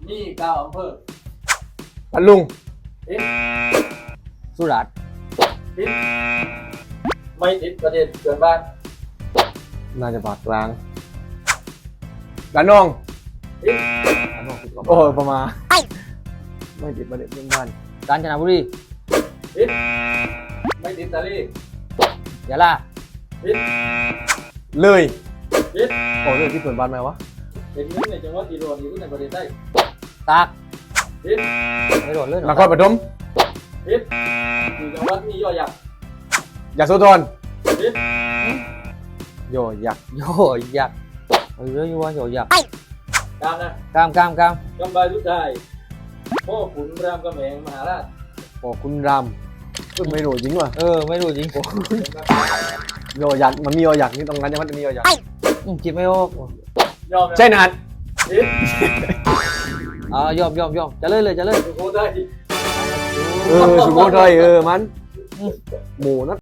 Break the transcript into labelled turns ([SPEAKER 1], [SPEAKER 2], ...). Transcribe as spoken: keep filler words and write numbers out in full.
[SPEAKER 1] มีเก้าอำเภอ
[SPEAKER 2] พัทลุง
[SPEAKER 1] ติด
[SPEAKER 3] สุราษฎร์
[SPEAKER 1] ติดไม่ติดประเทศเกินบ้าน
[SPEAKER 2] น่าจะภาคกลางระนอง
[SPEAKER 1] ติด
[SPEAKER 2] ระนองติดโอ้ยประมาณไม่ติดประเด็นเรื่องบ้าน
[SPEAKER 3] กาญจนบุรี
[SPEAKER 1] ติดไม่ติดตะลี
[SPEAKER 3] ยะลา
[SPEAKER 1] ติด
[SPEAKER 2] เลย
[SPEAKER 1] ติด
[SPEAKER 2] โอ้เลยที่เปิดบ้านไหมวะ
[SPEAKER 1] เป็นหนึ่งในจังหวัดที่โดนที่สุดในประเทศไทย
[SPEAKER 3] ตาก
[SPEAKER 1] ติด
[SPEAKER 3] ไม่โดนเลย
[SPEAKER 2] นครปฐม
[SPEAKER 1] ติดอยู่จังหวัดมียอยักษ์
[SPEAKER 2] ยโสธร
[SPEAKER 1] ติด
[SPEAKER 2] โยยักษ์
[SPEAKER 3] โยยักษ์เอออยู่ว่าโยยักษ์
[SPEAKER 1] ตามนะ
[SPEAKER 3] กามกามกาม
[SPEAKER 1] กำบายสุดท้ายพ่อขุนรามกำแหงมหาราช
[SPEAKER 2] โอ้คุณรามเอ้ยไม่รู้จริงว่ะ
[SPEAKER 3] เออไม่รู้จริง
[SPEAKER 2] โยยักษ์มันมีโยยักษ์นี่ตรงนั้นยังมันมีโยยักษ์
[SPEAKER 3] อืมคิดไม่ออก
[SPEAKER 1] ยอมนะ
[SPEAKER 2] ใช่นัด
[SPEAKER 1] ติด
[SPEAKER 3] อ่ายอมยอมยอมจะเลยเลยจะเลย
[SPEAKER 1] สุโขทัย
[SPEAKER 2] เออสุโขทัยเออมันหมูนัด